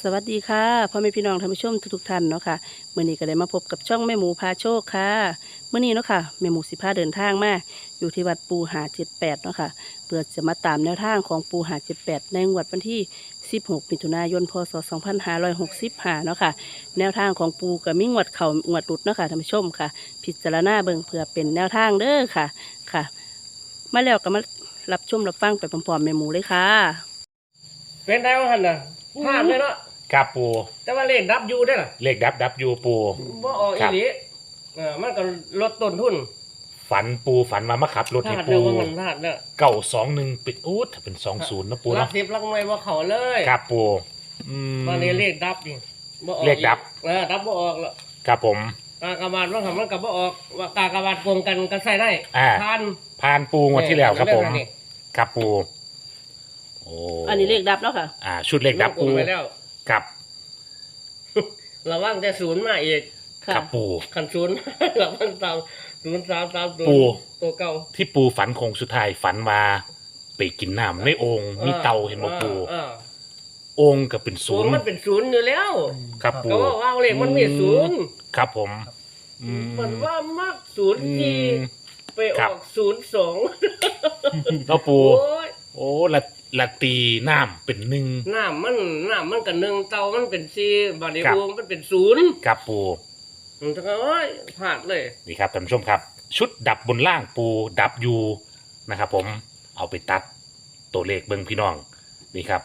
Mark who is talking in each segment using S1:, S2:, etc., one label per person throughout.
S1: สวัสดีค่ะพ่อแม่พี่น้องท่านผู้ชมทุกๆท่านเนาะค่ะมื้อนี้ก็ได้มาพบกับช่องแม่หมูพาโชคค่ะมื้อนี้เนาะค่ะแม่หมูสิพาเดินทางมาอยู่ที่วัดปูหา78เนาะค่ะเพื่อจะมาตามแนวทางของปูหา78ในงวดวันที่16มิถุนายนพศ2565เนาะค่ะแนวทางของปูก็มีงวดเข้างวดหลุดเนาะค่ะท่านผู้ชมค่ะพิจารณาเบิ่งเพื่อเป็นแนวทางเด้อค่ะค่ะมาแล้วก็มารับชมรับฟังไปพร้อมๆแม่หมูเลยค่ะ
S2: เป็นได้ว่าหันน่ะพลาดเลยเนาะ
S3: ครับปู
S2: แต่ว่าเลขดับอยู่ได้ล่ะ
S3: เลขดับอยู่ปู
S2: บ่ออกอีหลีมันก็ลดต้นทุน
S3: ฝันปูฝันมาขับรถ
S2: พ
S3: ให้
S2: ลาด
S3: ปู
S2: เด้อว่ามันพลาดเด้อ
S3: 921ปิดอู้ถ้าเป็น20นะปู
S2: รั
S3: เนาะ
S2: กสิบรักไม่ว่าเขาเลย
S3: ครับปู
S2: ตอนนี้เลขดับนี่บ่ออก
S3: เลขดับ
S2: ดับบ่ออกแล้ว
S3: ครับผม
S2: กากบาทว่าทำมันก็บ่ออกว่ากากบาทโกงกันก็ใส่ได้ผ่าน
S3: ผ่านปูงวดที่แล้วครับผม
S2: นี่
S3: ครับปูโอ้
S1: อันนี้เลขดับเนาะค่ะ
S3: ชุดเลขดับปู
S2: ไปแล้ว
S3: ครับ
S2: ระวังแต่ศูนย์มาอีก
S3: ครับปู
S2: ขันศูนย์ ระวังตาม0330
S3: ปู
S2: ตัวเก่า
S3: ที่ปูฝันคงสุดท้ายฝันมาไปกินน้ำในโอ่งมีเตาเห็นบ่ปูโอ่งก็เป็นศูนย์
S2: มันเป็นศูนย์อยู่แล้ว
S3: ครับปู
S2: ก็ว่าเลขมันมีศูนย์
S3: ครับผม
S2: มันว่ามากศูนย์ที่ไปอ
S3: ครั
S2: อบ ก02
S3: แล้วปู
S2: โอ้ย
S3: โอ้ละตีน้ำเป็นหนึ่ง
S2: น้ำมันกับหนึ่งเตามันเป็น4บาดนี้
S3: ครับ
S2: อูมันเป็นศูนย์
S3: กับปู
S2: มันก็โอ้ยพลาดเลย
S3: นี่ครับท่านผู้ชมครับ ชุดดับบนล่างปูดับยูนะครับผมเอาไปตัดตัวเลขเบิ้งพี่น้องนี่ครับ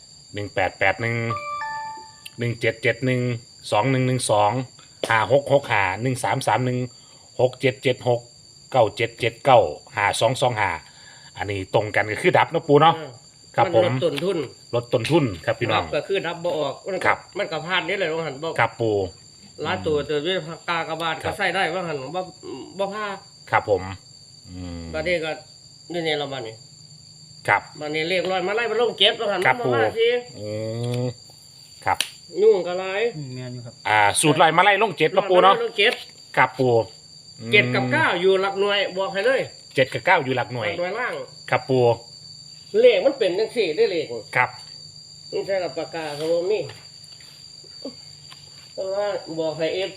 S3: 18811771213316677697795225อันนี้ตรงกันก็คือดับนะปูเนาะครับผม
S2: ลดต้นทุน
S3: ลดต้นทุนครับพี่น้อง
S2: ก็คือดับบ่ออกมัน
S3: ครับ
S2: มันก็พลาดนี่เลยว่าหันบ่
S3: ครับปู
S2: ล้าตัวด้วยกากบาท
S3: ครั
S2: ก็
S3: บ
S2: ใส่ได้ว่าหันบ่พลาด
S3: ครับผม
S2: บาดนี้ก็นี่เรามานี่
S3: ครับ
S2: บาดนี้เลขร้อยมาไล่มาลงเก็บว่าหัน
S3: ครับ
S2: มาสิ
S3: อืมครับ
S2: ยุ่งก็หลาย
S4: แม่นอยู่ครับ
S3: สูตรลอยมาไล่ลงเจ็ดนะปูเนาะ
S2: ลงเก็บ
S3: ครับปู
S2: 7กับ9อยู่หลักหน่วยบอกให้เลย
S3: 7กับ9อยู่หลักหน่วย
S2: หลักหน่วยล่าง
S3: ครับปู
S2: เลขมันเป็นจังซี่ได้เลข
S3: ครับ
S2: นี่ใช่กับปากกาครับผมนี่เพราะว่าบอกให้ F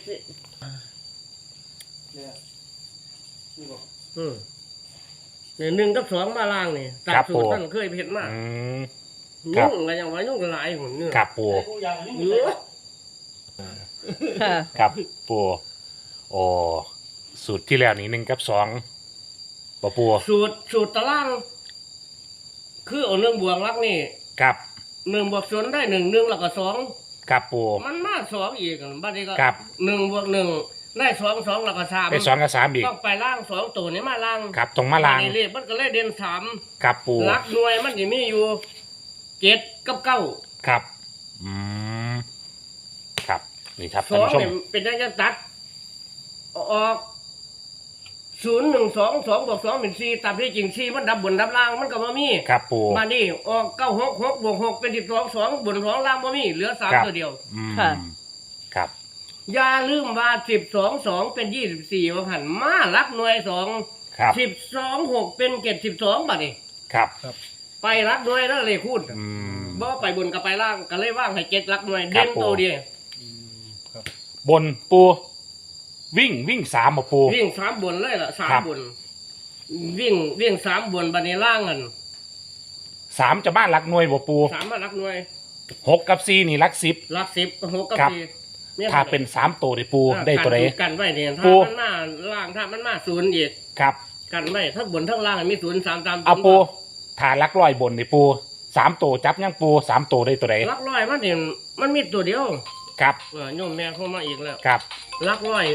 S4: เนี่ยนี่บอก
S2: เนี่ย1กับ2มาล่างนี่ตามสูตรท่านเคยเห็นมา
S3: ครับ
S2: ยุ่งก็ยังว่ายุ่งหลายหุ่นเนี่ย
S3: ครับปู
S4: ไอ้กูอย่างนี้
S2: เยอะ
S1: ค่ะ
S3: ครับปูโอ้สูตรที่แล้วนี่1กับ2ปูปู
S2: สูตรตาราง คือเอา1บวกลักนี่
S3: ครับ
S2: 1บวก0ได้1 1แล้วก็2
S3: ครับปู
S2: มันมา2อีกบัดนี้ก็
S3: ครับ
S2: 1บวก1ได้2 2แล้วก็3
S3: ไป2กับ3อีก
S2: ต้องไปล่าง2ตัวนี้มาล่าง
S3: ครับตรงมาลาง
S2: บัดนี้เลขมันก็เลยเด่น3
S3: ครับปู
S2: หลักหน่วยมันจะมีอยู่7กับ9
S3: ครับครับนี่ครับ
S2: ส
S3: ท่าน
S2: อง
S3: ผู้ชม
S2: เนี่ยเป็นได้จะตัดออก0 1 2 2บวก2เป็น4ตามที่จริง4มันดับบนดับล่างมันก็บ่มี
S3: ครับปู
S2: มานี่ออก9 6 6บวก6เป็น12 2บน2ล่างบ่มีเหลือ
S3: ครับ
S2: 3ตัวเดียว
S1: ค่ะ
S3: ครับ
S2: อย่าลืมว่า12 2เป็น24ว่าหั่นมาหลักหน่วย2
S3: ครับ
S2: 12 6เป็น72บัดนี้
S3: ครับ
S2: ไปหลักหน่วยแล้วเลยคูณ
S3: อืม
S2: บ่ไปบนกับไปล่างก็เลยว่างให้7หลักหน่วย
S3: ครั
S2: เด่
S3: บ
S2: นตัวเดียว
S4: ครับ
S3: บนปูวิ่ง3มาปู
S2: วิ่ง3บนเลยล่ะ
S3: ครับ
S2: 3บนวิ่ง3บนบัดนี้ล่างกัน
S3: 3จะบ้านหลักหน่วยบ่ปู
S2: 3มาหลักหน่วย
S3: 6กับ4นี่หลัก10
S2: หลัก10 6กับ
S3: ครับ
S2: 4เนี่ย
S3: ถ้าเป็น3ตัวได้ปูได้ตัวใด
S2: กันไว้เนี่ย
S3: ปู
S2: ถ้ามันมาล่างถ้ามันมา0อีก
S3: ครับ
S2: กันไว้ทั้งบนทั้งล่างมี0 3ตาม
S3: เอาปูถ้าหลักร้อยบนนี่ปู3ตัวจับยังปู3ตัวได้ตัวใด
S2: หลักร้อยมันเนี่ยมันมีตัวเดียว
S3: ครับ
S2: โยมแม่เข้ามาอีกแล้ว
S3: ครับ
S2: หลักร้อย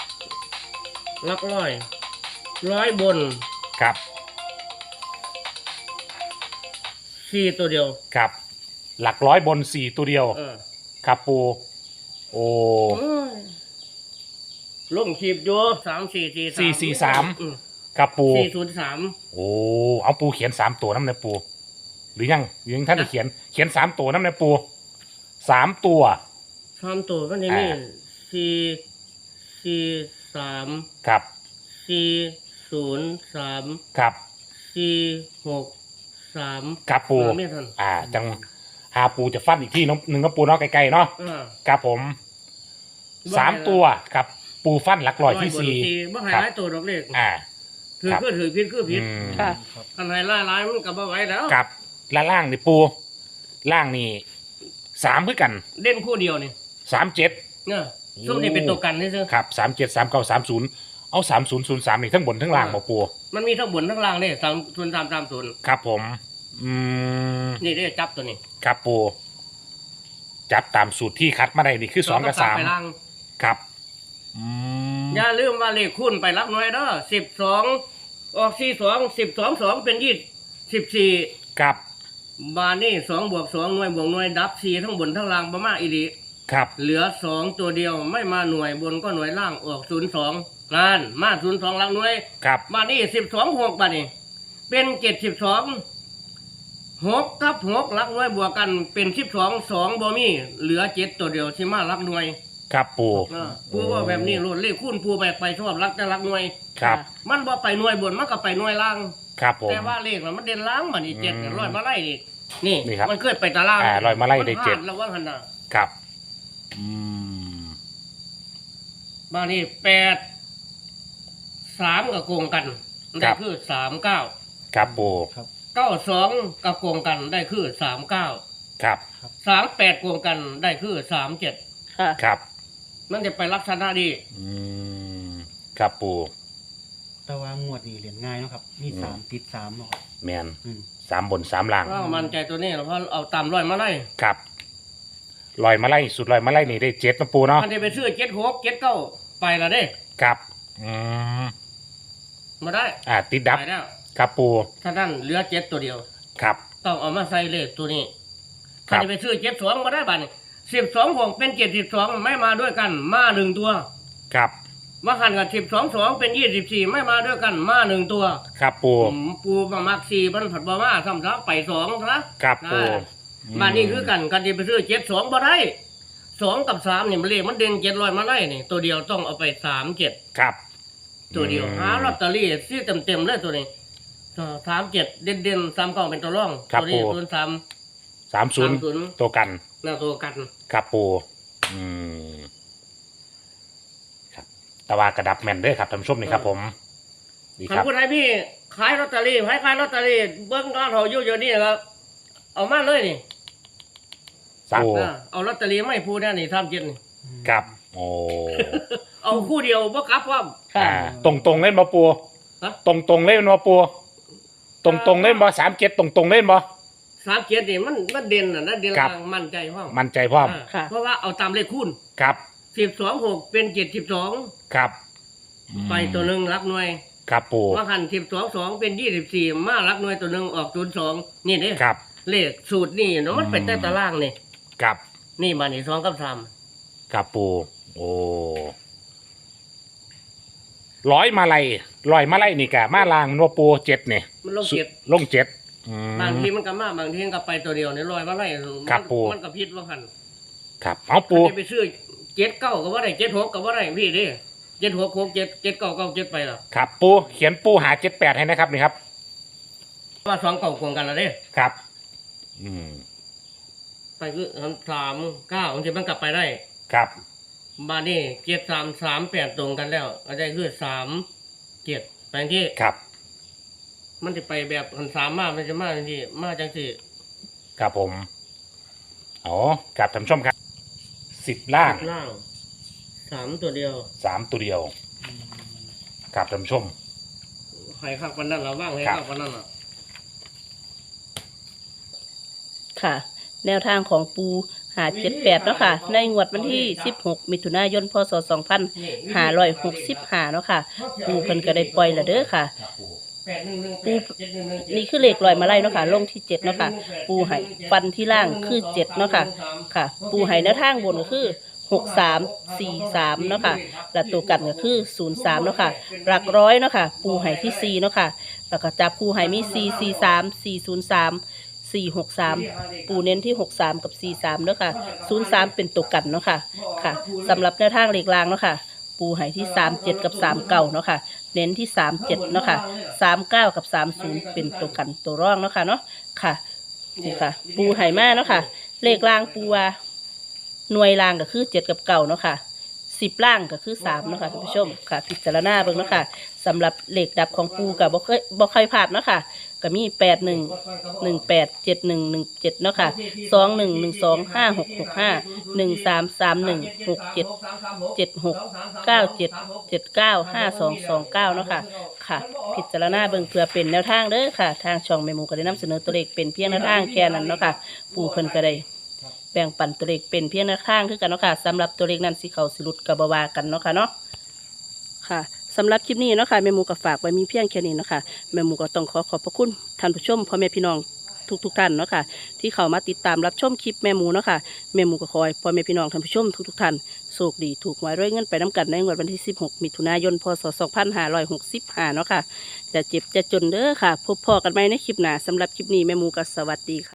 S2: ร้อยบน
S3: ครับ
S2: 4ตัวเดียว
S3: ครับ หลักร้อยบน4ตัวเดียว
S2: เออ
S3: ครับปูโอ้
S2: โอ้ยลงขีบอยู่3 4 4 3
S3: ครับปู
S2: 403
S3: โอ้เอาปูเขียน3ตัวน้ำในปูหรือยังท่านจะเขียน3ตัวน้ำในปู3ตัว
S2: 3ตัวมันจะมี4 3
S3: ครับ
S2: 403
S3: ครับ
S2: 463
S3: ครับปู
S2: ไม่ทัน
S3: จังหาปูจะฟันอีกที่น้องหนึ่งน้องปูเนาะไกลๆเนาะครับผม3 ตัวครับปูฟันหลักร้อยที่4
S2: บ่ให้
S3: ครับ
S2: หลายตัวดอกเลข ถือ
S3: ครับ
S2: คือถือผิดคือผิด
S1: ค่ะ
S4: ครับ
S2: อันไหนหลายมันก็บ่ไหวแล้ว
S3: กับและล่างนี่ปูล่างนี่3คือกัน
S2: เด่นคู่เดียวนี่
S3: 37
S2: เนี่ยซุ่มนี่เป็นตัวกันซื่อ
S3: ครับ37 39 30เอา3003นี่ทั้งบนทั้งล่างบ่ปู
S2: ๆมันมีทั้งบนทั้งล่างเด้3
S3: ครับผม
S2: นี่ได้จับตัวนี้
S3: ครับปูจับตามสูตรที่คัดมาได้นี่คือ2 กับ
S2: ไปล่าง
S3: 3ครับ
S2: อย่าลืมว่าเลขคูณไปรับหน่วยเด้อ12ออก42 12 2เป็น14
S3: ครับ
S2: บานี่2 บวก 2 หน่วยบวกหน่วยดับ4ทั้งบนทั้งล่างบ่มาอีหลี
S3: ครับ
S2: เหลือ2ตัวเดียวไม่มาหน่วยบนก็หน่วยล่างออก02งานมา02หลังหน่วย
S3: ครับ
S2: บานี่12 6บานี่เป็น72 6กับ6หลักหน่วยบวกกันเป็น12 2บ่มีเหลือ7ตัวเดียวสิมาหลักหน่วย
S3: ครับปู
S2: ปูว่าแบบนี้โลดเลขคูณปูไปชอบหลักแต่หลักหน่วย
S3: ครับ
S2: มันบ่ไปหน่วยบนมันก็ไปหน่วยล่าง
S3: ครับผม
S2: แต่ว่าเลขน่ะมันเด่นล่างบัดนี้7
S3: อืม
S2: ร้อยมาไล่นี่
S3: นี่ครับ
S2: มันเคยไปตาราง
S3: ร้อยมาไล่ได้
S2: นพ
S3: เจ็ด
S2: แล้วว่าหั่นน่ะ
S3: ครับม
S2: บานี่8 3ก็โกงกันได้คือ39
S3: ครับปู
S4: ครับ
S2: 92ก็โกงกันได้คือ39
S3: ครับ
S2: 38โกงกันได้คือ37
S1: ค่ะ
S3: ครับ
S2: มันจะไปลักษณะดี
S3: ครับปู
S4: แต่ว่างวดนี้เหรียญง่ายเนาะครับ มี3ติด3เนาะครับ
S3: แมน
S4: อืม
S3: 3 บน 3 ล่าง
S2: ว่ามันใจตัวนี้เพราะเอาตามร้อยมาไล่
S3: ครับลอยมาไล่สุดลอยมาไล่นี่ได้7นะปูเนาะ
S2: มันจะไปซื้อ76 79ไปละเด้
S3: ครับ
S2: มาได้
S3: ติดดับ
S2: ไปแล้ว
S3: ครับปู
S2: ถ้านั้นเหลือ7ตัวเดียว
S3: ครับ
S2: ต้องเอามาใส่เลขตัวนี้
S3: ครั
S2: ถ้า
S3: บ
S2: จะไปซื้อ72มาได้บัดนี้12 6เป็น72ไม่มาด้วยกันมา1ตัว
S3: ครับ
S2: มาหันกับ12 2เป็น24ไม่มาด้วยกันมา1ตัว
S3: ครับปู
S2: ปูมามัก4มันผัดบ่มาซ้ำซะไป2ซะ
S3: ครับปู
S2: บ้านนี้คือกันกันจะไปซื้อ72บ่ได้2กับ3นี่มันเลขมันเด่น700มาไล่นี่ตัวเดียวต้องเอาไป37
S3: ครับ
S2: ตัวเดียวหาลอตเตอรี่ซื้อเต็มๆเลยตัวนี้37เด่นๆ39เป็นตัวรองตัวนี้ตัว3
S3: 30ตัวกัน
S2: หน้าตัวกัน
S3: ครับปูครับแต่ว่ากระดับแมนเด้อครับท่านผู้ชมนี่ครับผมดี
S2: คั
S3: คน รับ
S2: ผู้ใดพี่ขายลอตเตอรี่ให้ขายลอตเตอรี่เบิ่งร้านเขาอยู่นี่ครับเอามาเลยนี่
S3: ปู
S2: เอาลอตเตอรี่ไม่พูดแน่นี่37นี่
S3: ครับโอ้
S2: เอาคู่เดียวบ่กลับพร้อม
S1: ค่ะ
S3: ตรงเล่นบ่ปู
S2: ฮะ
S3: ตรงเล่นบ่ปูตรงเล่นบ่37ตรงเล่นบ่
S2: 37นี่มันเด่นน่ะนะเด่น
S3: ครับ
S2: ล่างมั่นใจพร้อม
S3: มั่นใจพร้อม
S1: ค่ะ
S2: เพราะว่าเอาตามเลขคูณ
S3: ครับ
S2: 12 6เป็น72
S3: ครับ
S2: ไปตัวหนึงรักหน่วย
S3: ครับปู
S2: ว่าหัน12 2เป็น24มารักหน่วยตัวหนึงออก02นี่เด้
S3: ครับ
S2: เลขสูตรนี่เนาะมันเป็นแต่ตารางนี่
S3: ครับ
S2: นี่บัดนี้2กับ3
S3: ครับปูโอ้ร้อยมาลัยนี่กะมาลางนัวปู7นี่
S2: มันลงเจ็ด
S3: ลง7
S2: บางทีมันก็มาบางทีมันก็ไปตัวเดียวนี่ลอยมาไล่
S3: ครับปู่
S2: มันก็ผิดว่าหัน
S3: ครับเอาปู
S2: จะไปซื้อ79ก็บ่ได้76ก็บ่ได้พี่เด้76 67 79 97ไปแล้ว
S3: ครับปูเขียนปูหา78ให้นะครับนี่ครับ
S2: ว่า2เก่าโกงกันแล้วเด้
S3: ครับ
S2: ไปคือ39บางทีมันกลับไปได้
S3: ครับ
S2: มานี่7338ตรงกันแล้วอันนี้คือ37ไปที่
S3: ครับ
S2: มันจะไปแบบหัน3มามันจะมาจังซี่มาจังซี่
S3: ครับผมอ๋อครับท่านผู้ชมครับ10ล่าง
S2: ล่าง3ตัวเดียว
S3: 3ตัวเดียวครับท่านผู้ชม
S2: ให้คักปานนั้นล่ะว่างให้
S3: ครับ
S2: คักปานนั้นล่ะ
S1: ค่ะ แนวทางของปู578เนาะค่ะ ในงวดวันที่16มิถุนายนพศ2565เนาะค่ะ ปูเพิ่นก็ได้ปล่อยแล้วเด้อค่ะ ปูนี่คือเลขลอยมาไล่เนาะค่ะ ลงที่7เนาะค่ะ ปูให้ฟันที่ล่างคือ7เนาะค่ะ ค่ะ ปูให้แนวทางบนก็คือ6343เนาะค่ะ และตัวกันก็คือ03เนาะค่ะ หลักร้อยเนาะค่ะ ปูให้ที่4เนาะค่ะ แล้วก็จับปูให้มี443 403 463 ปูเน้นที่63กับ43เนาะค่ะ03เป็นตัวกันเนาะค่ะ ค่ะสำหรับแนวทางเลขล่างเนาะค่ะ ปูให้ที่37กับ39เนาะค่ะ เน้นที่37เนาะค่ะ39กับ30เป็นตัวกันตัวร่องเนาะค่ะเนาะค่ะนี่ค่ะ ปูให้มาเนาะค่ะเลขล่างปูว่าหน่วยล่างก็คือ7กับ9เนาะค่ะ10ล่างก็คือ3เนาะค่ะท่านผู้ชมค่ะพิจารณาเบิ่งเนาะค่ะสำหรับเลขดับของปูก็บ่เคยพลาดเนาะค่ะก็มี81187117เนาะค่ะ211256651331677697795229เนาะค่ะค่ะพิจารณาเบิ่งเพื่อเป็นแนวทางเด้อค่ะทางช่องแม่หมูก็ได้นำเสนอตัวเลขเป็นเพียงแนวทางแค่นั้นเนาะค่ะปูเพิ่นก็ได้แบ่งปันตัวเลขเป็นเพียงแนวทางคือกันเนาะค่ะสำหรับตัวเลขนั้นสิเข้าสิหลุดก็บ่ว่ากันเนาะค่ะเนาะค่ะสำหรับคลิปนี้เนาะค่ะแม่หมูก็ฝากไว้มีเพียงแค่นี้เนาะค่ะแม่หมูก็ต้องขอบพระคุณท่านผู้ชมพ่อแม่พี่น้องทุกท่านเนาะค่ะที่เข้ามาติดตามรับชมคลิปแม่หมูเนาะค่ะแม่หมูก็ขอให้พ่อแม่พี่น้องท่านผู้ชมทุกท่านโชคดีถูกหวยรวยเงินไปน้ำกันในงวดวันที่16มิถุนายนพศ2565เนาะค่ะจะเจ็บจะจนเด้อค่ะพบพอกันใหม่ในคลิปหน้าสำหรับคลิปนี้แม่หมูก็สวัสดีค่ะ